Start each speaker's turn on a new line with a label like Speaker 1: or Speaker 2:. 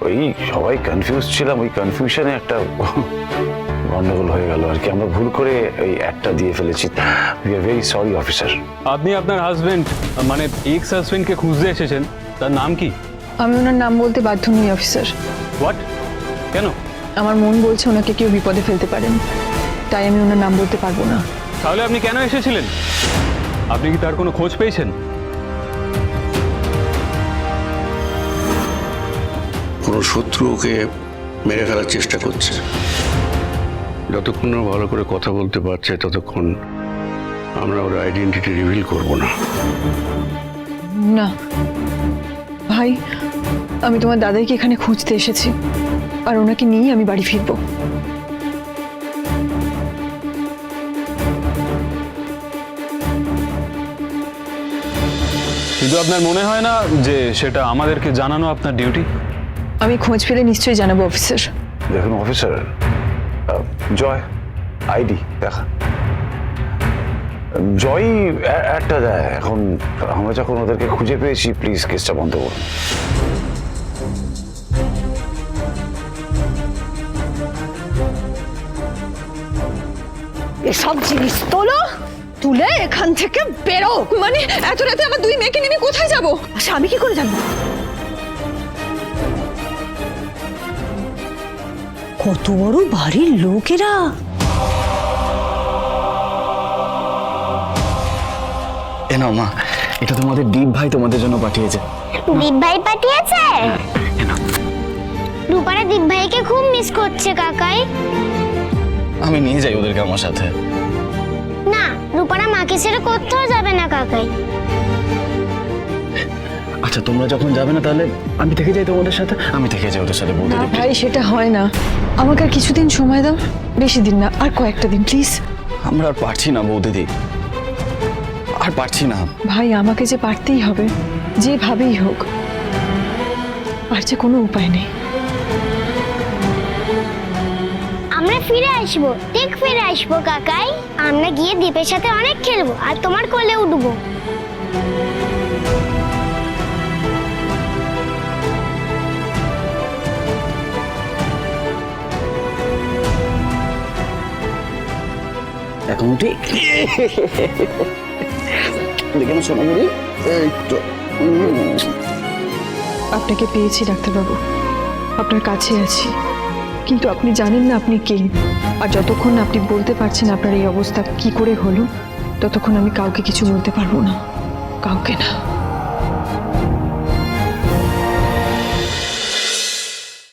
Speaker 1: ওই সবাই কনফিউজ ছিলাম, ওই কনফিউশনে একটা গন্ডগোল হয়ে গেল আর কি। আমরা ভুল করে ওই একটা দিয়ে ফেলেছি। We are very sorry officer.
Speaker 2: আপনি আপনার হাজবেন্ড মানে এক্স হাজবেন্ডকে খুঁজতে এসেছেন, তার নাম কি?
Speaker 3: আমি ওনার নাম বলতে বাধ্য নই অফিসার।
Speaker 2: হোয়াট? কেন?
Speaker 3: আমার মন বলছে ওনাকে কেউ বিপদে ফেলতে পারেন, তাই আমি ওনার নাম বলতে পারবো না।
Speaker 2: তাহলে আপনি কেন এসেছিলেন? আপনি কি তার কোনো খোঁজ পেয়েছেন?
Speaker 4: কোনো শত্রু ওকে মেরে ফেলার চেষ্টা করছে। যতক্ষণ না ভালো করে কথা বলতে পারছে ততক্ষণ আমরা ওর আইডেন্টিটি রিভিল করব না।
Speaker 3: না ভাই, আমি তোমার দাদাইকে এখানে খুঁজতে এসেছি, আর ওনাকে নিয়েই আমি বাড়ি ফিরবো।
Speaker 2: কিন্তু আপনার মনে হয় না যে সেটা আমাদেরকে জানানো আপনার ডিউটি?
Speaker 3: আমি খোঁজ পেলে নিশ্চয়ই জানাবো অফিসার।
Speaker 1: দেখুন অফিসার, জয় আইডি দেখা, জয় একটা দেয়। এখন আমরা যখন ওদেরকে খুঁজে পেয়েছি, প্লিজ কেসটা বন্ধ করুন।
Speaker 5: এসব জিনিস তোলো, তুলে এখান থেকে বেরো।
Speaker 3: মানে এত রাতে আমার দুই মেয়েকে নিয়ে কোথায় যাবো?
Speaker 5: আচ্ছা আমি কি করে জানবো? কত বড় বাড়ির লোকেরা।
Speaker 6: এ নাও মা, এটা তোমাদের দীপ ভাই তোমাদের জন্য পাঠিয়েছে।
Speaker 7: দীপ ভাই পাঠিয়েছে? রূপারা দীপ ভাইকে খুব মিস করছে কাকাই।
Speaker 6: আমি নিয়ে যাই ওদেরকে আমার সাথে।
Speaker 7: না, রূপারা মাকে ছেড়ে কোথাও যাবে না কাকাই।
Speaker 6: আচ্ছা তোমরা যখন যাবে না তাহলে আমি থেকে যাই তোমাদের সাথে। আমি থেকে যাই ওদের সাথে বলতে
Speaker 3: না
Speaker 6: দিই।
Speaker 3: ভাই, সেটা হয় না। আমাকে আর কিছুদিন সময় দাও, বেশি দিন না, আর কয়েকটা দিন প্লিজ।
Speaker 6: আমরা আর পারছি না বৌদিদি, আর পারছি না।
Speaker 3: ভাই আমাকে যে পারতেই হবে, যেভাবেই হোক, আর যে কোনো উপায় নেই।
Speaker 7: আমরা ফিরে আসবো, ঠিক ফিরে আসবো কাকাই। আমরা গিয়ে দীপের সাথে অনেক খেলবো আর তোমার কোলে উঠবো।
Speaker 6: এখন উঠি দেখে আমার সোনামণি, এই তো।
Speaker 3: আপনাকে পেয়েছি ডাক্তারবাবু, আপনার কাছে আছি, কিন্তু আপনি জানেন না আপনি কে। আর যতক্ষণ না আপনি বলতে পারছেন আপনার এই অবস্থা কি করে হলো, ততক্ষণ আমি কাউকে কিছু বলতে পারবো না, কাউকে না।